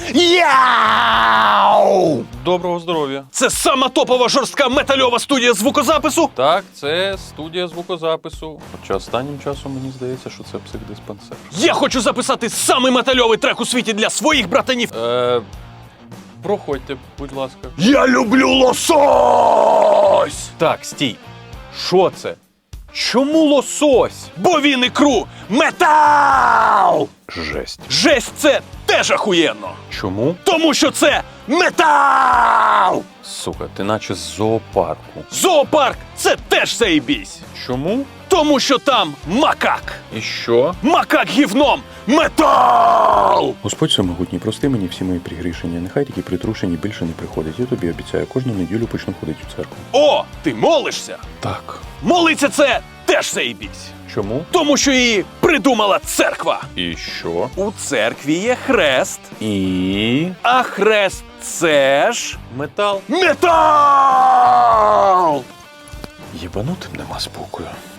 Яу! Доброго здоров'я. Це сама топова жорстка метальова студія звукозапису? Так, це студія звукозапису. Хоча останнім часом мені здається, що це психдиспансер. Я хочу записати самий метальовий трек у світі для своїх братанів. Проходьте, будь ласка. Я люблю лосось! Так, стій. Що це? Чому лосось? Бо він ікру метал! Жесть. Жесть, це теж ахуєнно! Чому? Тому що це метал! Сука, ти наче з зоопарку. Зоопарк – це теж заєбісь! Чому? Тому що там макак! І що? Макак гівном! Метал! Господь всемогутній, прости мені всі мої пригрішення, нехай такі притрушені більше не приходять. Я тобі обіцяю, кожну неділю почну ходити у церкву. О, ти молишся? Так. Молиться це теж заєбісь! Чому? Тому що її придумала церква! І що? У церкві є хрест, І... а хрест – це ж Метал. метал! Єбанутим нема спокою.